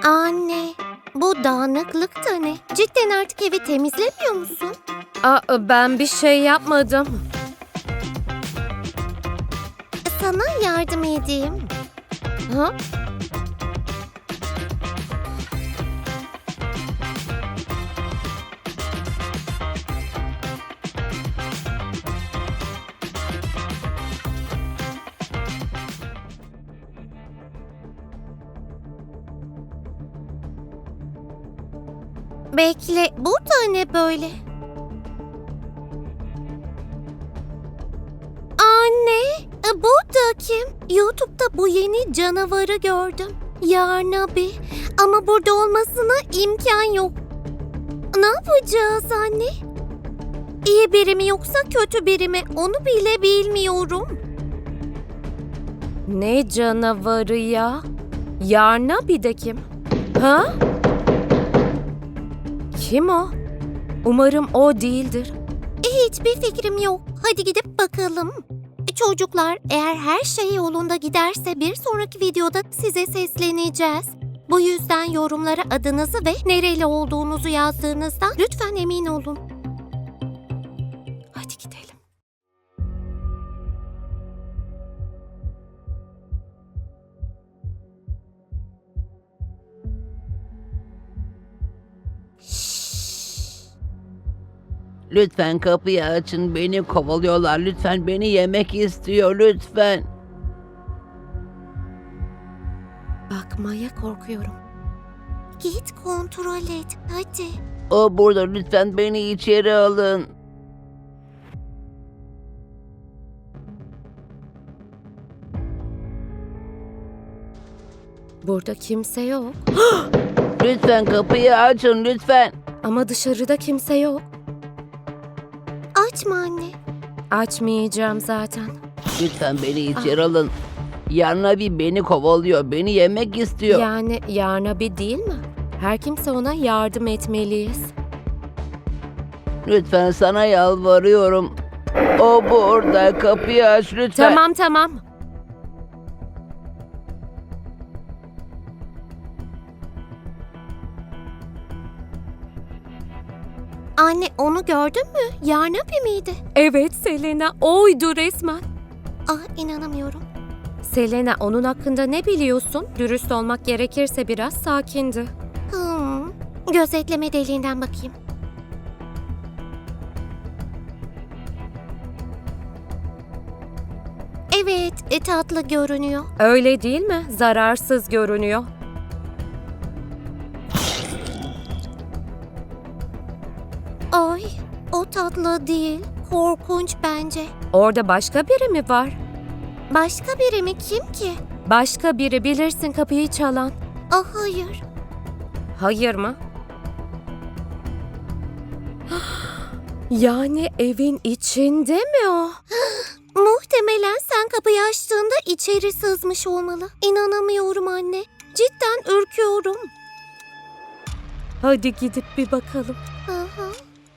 Anne, bu dağınıklık da ne? Cidden artık evi temizlemiyor musun? Ben bir şey yapmadım. Sana yardım edeyim. Ha? Bekle, bu da ne böyle? Anne, bu da kim? YouTube'da bu yeni canavarı gördüm. Yarnabi. Ama burada olmasına imkan yok. Ne yapacağız anne? İyi biri mi yoksa kötü biri mi? Onu bile bilmiyorum. Ne canavarı ya? Yarnabi de kim? Ha? Kim o? Umarım o değildir. Hiçbir fikrim yok. Hadi gidip bakalım. Çocuklar, eğer her şey yolunda giderse bir sonraki videoda size sesleneceğiz. Bu yüzden yorumlara adınızı ve nereli olduğunuzu yazdığınızdan lütfen emin olun. Hadi gidelim. Lütfen kapıyı açın. Beni kovalıyorlar. Lütfen beni yemek istiyor. Lütfen. Bakmaya korkuyorum. Git kontrol et, hadi. O burada. Lütfen beni içeri alın. Burada kimse yok. Lütfen kapıyı açın. Lütfen. Ama dışarıda kimse yok. Açma anne. Açmayacağım zaten. Lütfen beni içeri alın. Yarnabi beni kovalıyor. Beni yemek istiyor. Yani Yarnabi değil mi? Her kimse ona yardım etmeliyiz. Lütfen sana yalvarıyorum. O burada. Kapıyı aç lütfen. Tamam. Anne, onu gördün mü? Yarnabi miydi? Evet Selena, oydu resmen. İnanamıyorum. Selena, onun hakkında ne biliyorsun? Dürüst olmak gerekirse biraz sakindi. Gözetleme deliğinden bakayım. Evet, tatlı görünüyor. Öyle değil mi? Zararsız görünüyor. Ay, o tatlı değil. Korkunç bence. Orada başka biri mi var? Başka biri mi? Kim ki? Başka biri, bilirsin, kapıyı çalan. Hayır. Hayır mı? Yani evin içinde mi o? Muhtemelen sen kapıyı açtığında içeri sızmış olmalı. İnanamıyorum anne. Cidden ürküyorum. Hadi gidip bir bakalım. Aha.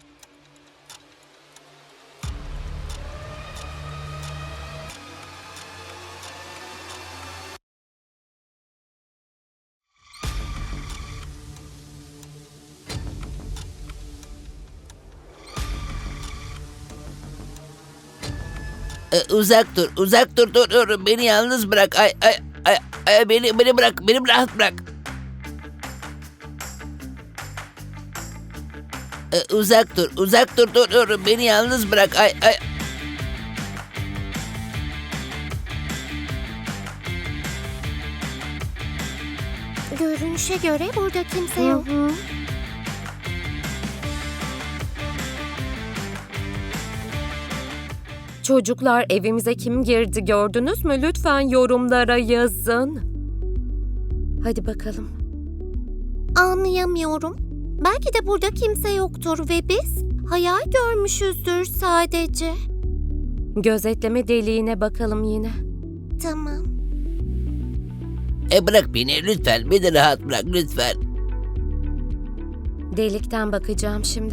Uzak dur. Uzak dur. Dur. Beni yalnız bırak. Beni bırak. Beni rahat bırak. Uzak dur. Uzak dur. Dur. Beni yalnız bırak. Görünüşe göre burada kimse yok. Çocuklar, evimize kim girdi gördünüz mü? Lütfen yorumlara yazın. Hadi bakalım. Anlayamıyorum. Belki de burada kimse yoktur ve biz hayal görmüşüzdür sadece. Gözetleme deliğine bakalım yine. Tamam. Bırak beni lütfen. Beni rahat bırak lütfen. Delikten bakacağım şimdi.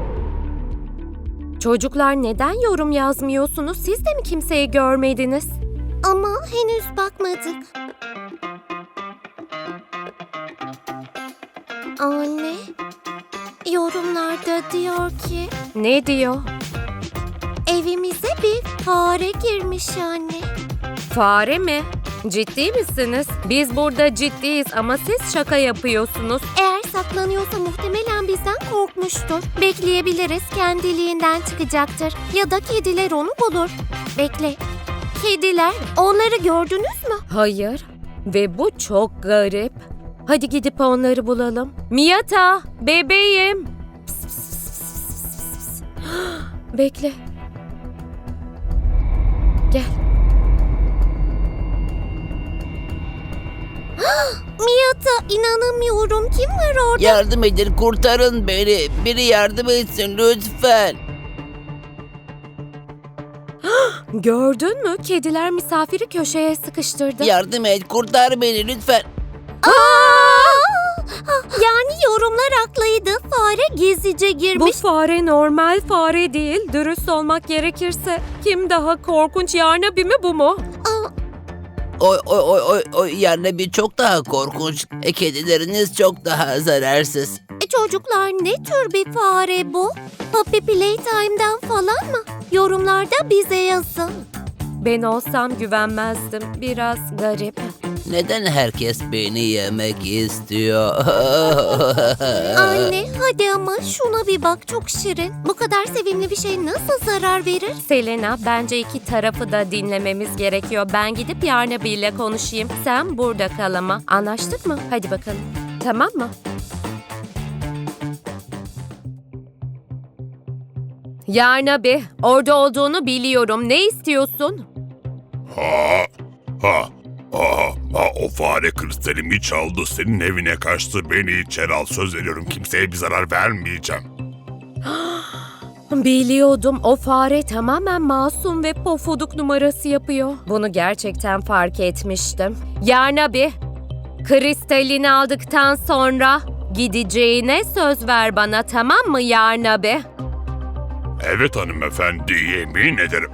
Çocuklar, neden yorum yazmıyorsunuz? Siz de mi kimseyi görmediniz? Ama henüz bakmadık. Anne, yorumlarda diyor ki Ne diyor? evimize bir fare girmiş anne. Fare mi? Ciddi misiniz? Biz burada ciddiyiz ama siz şaka yapıyorsunuz. Eğer saklanıyorsa muhtemelen bizden korkmuştur. Bekleyebiliriz, kendiliğinden çıkacaktır. Ya da kediler onu bulur. Bekle. Kediler, onları gördünüz mü? Hayır. Ve bu çok garip. Hadi gidip onları bulalım. Miyata, bebeğim. Pıs, pıs, pıs, pıs, pıs, pıs. Bekle. Gel. Miyata, inanamıyorum. Kim var orada? Yardım edin, kurtarın beni. Biri yardım etsin lütfen. Gördün mü? Kediler misafiri köşeye sıkıştırdı. Yardım et, kurtar beni lütfen. Yani yorumlar haklıydı. Fare gizlice Bu girmiş. fare normal fare değil. Dürüst olmak gerekirse kim daha korkunç, Yarnabi mi bu mu? Oy yani bir çok daha korkunç. Kedileriniz çok daha zararsız. Çocuklar, ne tür bir fare bu? Puppy Playtime'dan falan mı? Yorumlarda bize yazın. Ben olsam güvenmezdim. Biraz garip. Neden herkes beni yemek istiyor? Anne, hadi ama şuna bir bak, çok şirin. Bu kadar sevimli bir şey nasıl zarar verir? Selena, bence iki tarafı da dinlememiz gerekiyor. Ben gidip Yarnabi ile konuşayım. Sen burada kal ama. Anlaştık mı? Hadi bakalım. Tamam mı? Yarnabi, orada olduğunu biliyorum. Ne istiyorsun? O fare kristalimi çaldı, senin evine kaçtı, beni içeri al, söz veriyorum kimseye bir zarar vermeyeceğim. Biliyordum, o fare tamamen masum ve pofuduk numarası yapıyor. Bunu gerçekten fark etmiştim. Yarnabi, kristalini aldıktan sonra gideceğine söz ver bana, tamam mı Yarnabi? Evet hanımefendi, yemin ederim.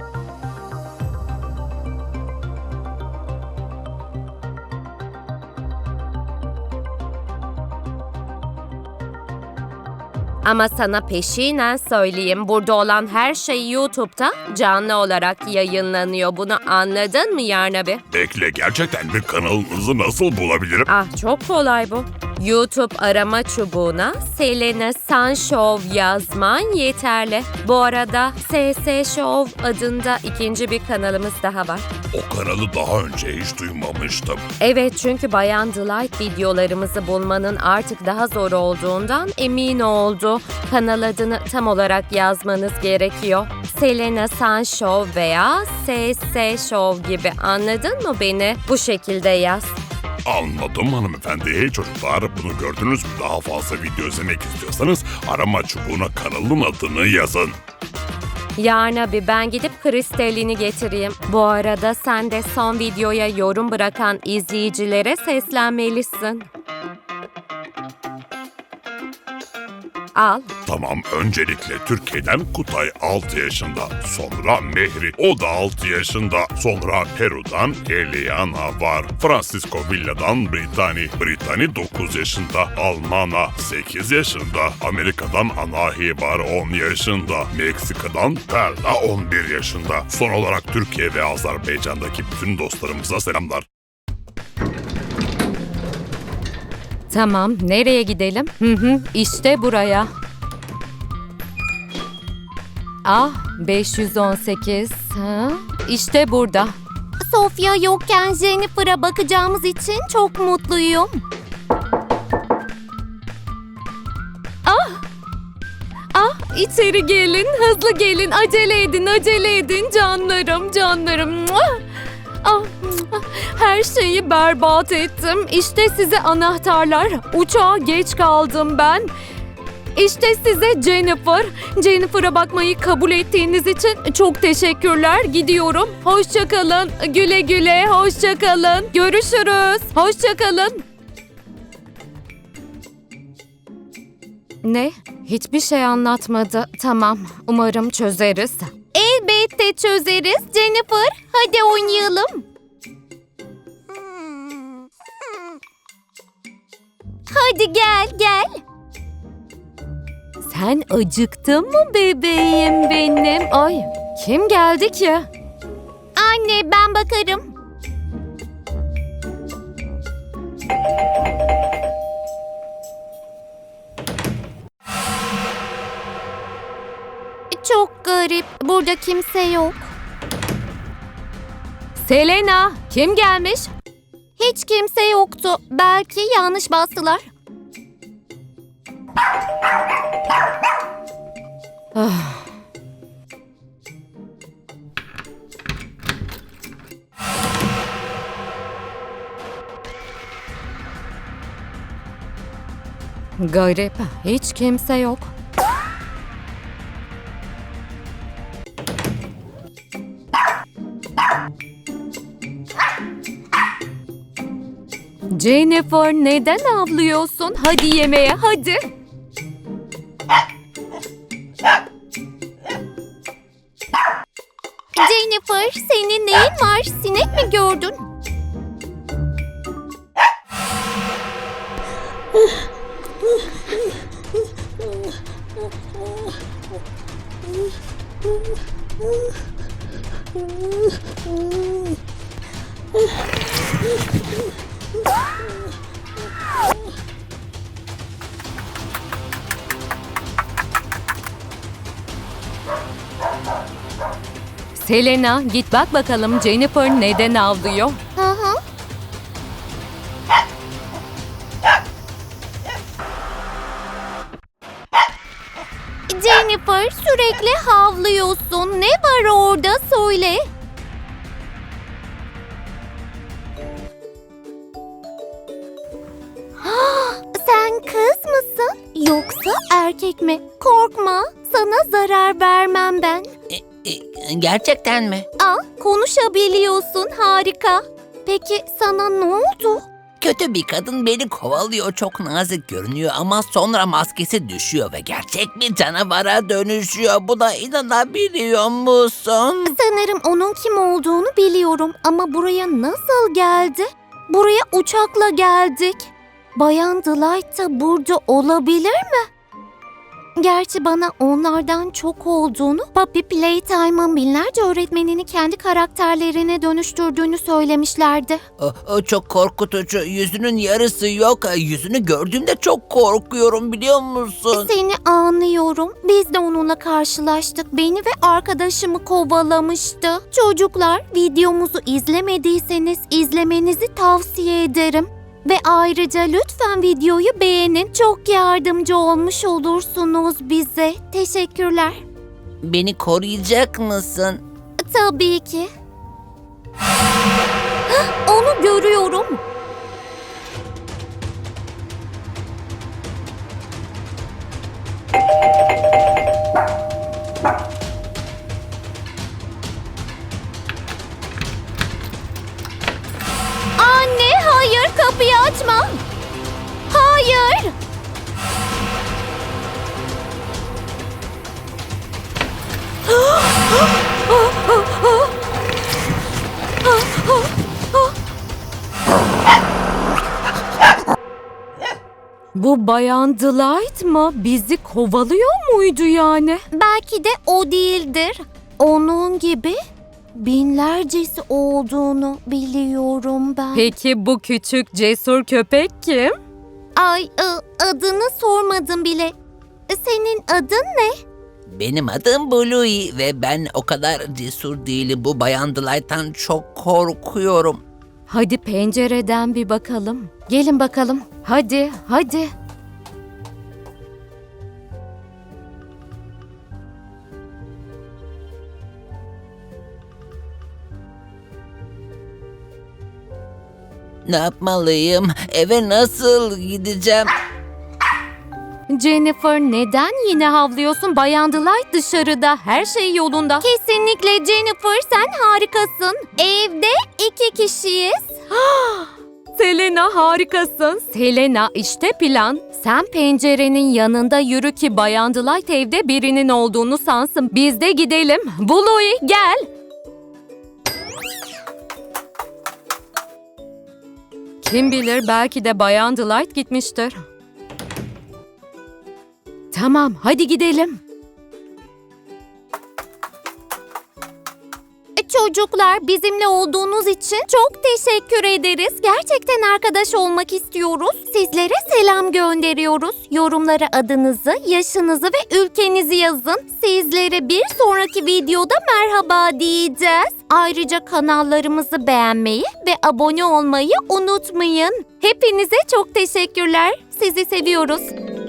Ama sana peşinen söyleyeyim, burada olan her şey YouTube'da canlı olarak yayınlanıyor. Bunu anladın mı Yarnabi? Bekle, gerçekten bir kanalınızı nasıl bulabilirim? Ah, çok kolay bu. YouTube arama çubuğuna Selena Sun Show yazman yeterli. Bu arada SS Show adında ikinci bir kanalımız daha var. O kanalı daha önce hiç duymamıştım. Evet, çünkü Bayan Delight videolarımızı bulmanın artık daha zor olduğundan emin oldu. Kanal adını tam olarak yazmanız gerekiyor. Selena Sun Show veya SS Show gibi, anladın mı beni? Bu şekilde yaz. Anladım hanımefendi. Çocuklar, bunu gördünüz mü? Daha fazla video izlemek istiyorsanız arama çubuğuna kanalın adını yazın. Yarnabi, ben gidip kristalini getireyim. Bu arada sen de son videoya yorum bırakan izleyicilere seslenmelisin. Al. Tamam, öncelikle Türkiye'den Kutay 6 yaşında, sonra Mehri, o da 6 yaşında, sonra Peru'dan Eliana var, Francisco Villa'dan Britani 9 yaşında, Almana 8 yaşında, Amerika'dan Anahi var 10 yaşında, Meksika'dan Perla 11 yaşında. Son olarak Türkiye ve Azerbaycan'daki bütün dostlarımıza selamlar. Tamam, nereye gidelim? İşte buraya. Ah, 518. İşte burada. Sofya yokken Jennifer'a bakacağımız için çok mutluyum. İçeri gelin, hızlı gelin, acele edin canlarım. Her şeyi berbat ettim. İşte size anahtarlar. Uçağa geç kaldım ben. İşte size Jennifer. Jennifer'a bakmayı kabul ettiğiniz için çok teşekkürler. Gidiyorum. Hoşça kalın. Güle güle. Hoşça kalın. Görüşürüz. Hoşça kalın. Ne? Hiçbir şey anlatmadı. Tamam. Umarım çözeriz. Elbette çözeriz Jennifer. Hadi oynayalım. Hadi gel. Sen acıktın mı bebeğim benim? Ay, kim geldi ki? Anne ben bakarım. Çok garip. Burada kimse yok. Selena, kim gelmiş? Hiç kimse yoktu. Belki yanlış bastılar. Garip, hiç kimse yok. Jennifer, neden ağlıyorsun? Hadi yemeğe, hadi. Jennifer, senin neyin var? Sinek mi gördün? Selena, git bak bakalım Jennifer neden ağlıyor? Hı hı. Jennifer, sürekli havlıyorsun. Ne var orada söyle. Sen kız mısın? Yoksa erkek mi? Korkma, sana zarar vermem ben. Gerçekten mi? Aa, konuşabiliyorsun, harika. Peki sana ne oldu? Kötü bir kadın beni kovalıyor. Çok nazik görünüyor ama sonra maskesi düşüyor ve gerçek bir canavara dönüşüyor. Buna inanabiliyor musun? Sanırım onun kim olduğunu biliyorum ama buraya nasıl geldi? Buraya uçakla geldik. Bayan Delight da burada olabilir mi? Gerçi bana onlardan çok olduğunu, Puppy Playtime'ın binlerce öğretmenini kendi karakterlerine dönüştürdüğünü söylemişlerdi. O çok korkutucu. Yüzünün yarısı yok. Yüzünü gördüğümde çok korkuyorum, biliyor musun? Seni anlıyorum. Biz de onunla karşılaştık. Beni ve arkadaşımı kovalamıştı. Çocuklar, videomuzu izlemediyseniz izlemenizi tavsiye ederim. Ve ayrıca lütfen videoyu beğenin. Çok yardımcı olmuş olursunuz bize. Teşekkürler. Beni koruyacak mısın? Tabii ki. Onu görüyorum. Anne, hayır, kapıyı açma. Hayır. Bu Bayan Delight mı? Bizi kovalıyor muydu yani? Belki de o değildir. Onun gibi binlercesi olduğunu biliyorum ben. Peki bu küçük cesur köpek kim? Ay, adını sormadım bile. Senin adın ne? Benim adım Bluey ve ben o kadar cesur değilim. Bu Bayan Delight'tan çok korkuyorum. Hadi pencereden bir bakalım. Gelin bakalım. Hadi, hadi. Ne yapmalıyım? Eve nasıl gideceğim? Jennifer, neden yine havlıyorsun? Bayan Delight dışarıda. Her şey yolunda. Kesinlikle Jennifer, sen harikasın. Evde 2 kişiyiz. Selena harikasın. Selena işte plan. Sen pencerenin yanında yürü ki Bayan Delight evde birinin olduğunu sansın. Biz de gidelim. Bluey gel. Kim bilir belki de Bayan Delight gitmiştir. Tamam hadi gidelim. Çocuklar, bizimle olduğunuz için çok teşekkür ederiz. Gerçekten arkadaş olmak istiyoruz. Sizlere selam gönderiyoruz. Yorumlara adınızı, yaşınızı ve ülkenizi yazın. Sizlere bir sonraki videoda merhaba diyeceğiz. Ayrıca kanallarımızı beğenmeyi ve abone olmayı unutmayın. Hepinize çok teşekkürler. Sizi seviyoruz.